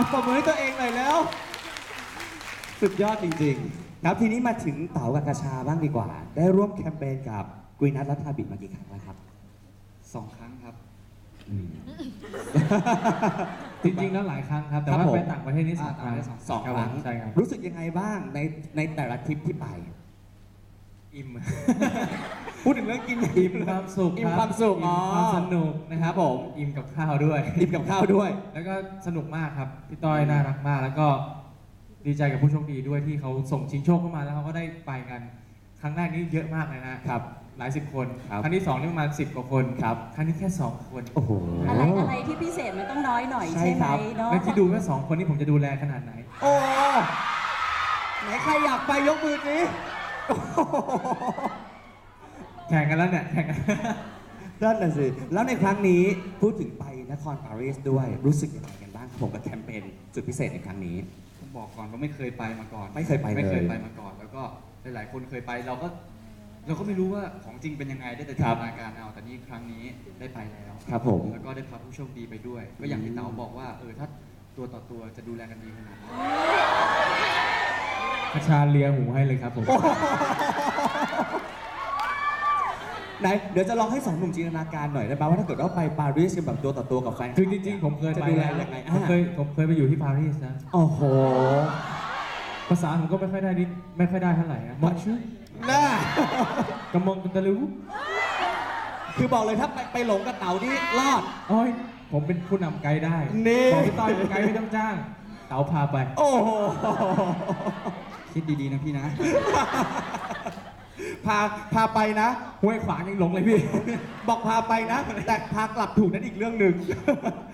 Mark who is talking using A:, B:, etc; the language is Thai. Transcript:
A: ปรบมือให้ตัวเองหน่อยแล้ว สุดยอดจริงๆครับทีนี้มาถึงเต๋ากับกระชาบ้างดีกว่า ได้ร่วมแคมเปญกับกุยนัทและทาบิมากี่ครั้งแล้วครับ
B: 2 ครั้งครับ
C: จริงๆแล้วหลายครั้งครับ แต่ว่าไปต่างประเทศนี่สองครั้ง
A: สองครั้ง
C: ใช่ครับ
A: รู้สึกยังไงบ้างในแต่ละทริปที่ไป
C: อิ่ม
A: พูดถึงเรื่องกิน
C: อิ่มความสุข
A: อิ่มความสุข
C: อิ่มความสนุกนะครับ
A: ผม
C: อิ่มกับข้าวด้วย
A: อิ่มกับข้าวด้วย
C: แล้วก็สนุกมากครับพี่ต้อยน่ารักมาก แล้วก็ดีใจกับผู้โชคดีด้วยที่เขาส่งชิงโชคเข้ามาแล้วเขาก็ได้ไปกัน ครั้งแรกนี่เยอะมากเลยนะครับ หลายสิบคน
A: ครับ
C: ครั้งที่สองนี่ประมาณ10 กว่าคนครับครั้งนี้แค่ 2 คน
A: โอ้โห
D: อะไรที่พิเศษมันต้องน้อยหน่อย
A: ใช่
D: ใช่ไห
A: ค
D: ม
A: รับ
D: เนาะ
C: แล้วที่ดูแค่2 คนนี่ผมจะดูแลขนาดไหน
A: โอ้ไหนใครอยากไปยกมือสิโอ้โห
C: แข่งกันแล้วเนี่ยแข่งกัน
A: นั่นน่ะสิแล้วในครั้งนี้พูดถึงไปนครปารีสด้วยรู้สึกยังไงกันบ้างครับผมกับแคมเปญสุดพิเศษในครั้งนี้
B: ผมบอกก่อนว่าไม่เคยไปมาก่อน
A: ไม่เคยไปเลย
B: ไม่เคยไปมาก่อน แล้วก็หลายๆคนเคยไปเราก็ไม่รู้ว่าของจริงเป็นยังไงได้แต่จินตนาการเอาแต่นี่ครั้งนี้ได้ไปแล้ว
A: ครับผม
B: แล้วก็ได้พาผู้โชคดีไปด้วย ก็อย่างที่เต๋าบอกว่าถ้าตัวต่อตัวจะดูแลกันดีขนาดไหน
C: กระชาเลียหูให้เลยครับผม
A: ไหนเดี๋ยวจะลองให้สองหนุ่มจินตนาการหน่อยได้ไหมว่าถ้าเกิดว่าไปปารีสกันแบบตัวต่อตัวกับแฟน
C: คือจริงๆผมเคย
A: จะ
C: ไป
A: ดูแล
C: แล้ว
A: ยังไง
C: ผมเคยไปอยู่ที่ปารีสนะ
A: โอ้โห
C: ภาษาผมก็ไม่ค่อยได้เท่าไหร่อะมอนชื่อ
A: น่าก
C: ำมองกันตะลุ
A: คือบอกเลยถ้าไปหลงกับเต๋านี่รอด
C: โอ้ยผมเป็นผู้นำไกด์ได้
A: นี่
C: บอกพี่ต้อยเป็นไกด์ไม่ต้องจ้าง เต๋าพาไป
A: โอ้โห
B: คิดดีๆนะพี่นะ
A: พาไปนะ
C: ห้วยขวางยังหลงเลยพี่
A: บอกพาไปนะ แต่พากลับถูกนั้นอีกเรื่องหนึ่ง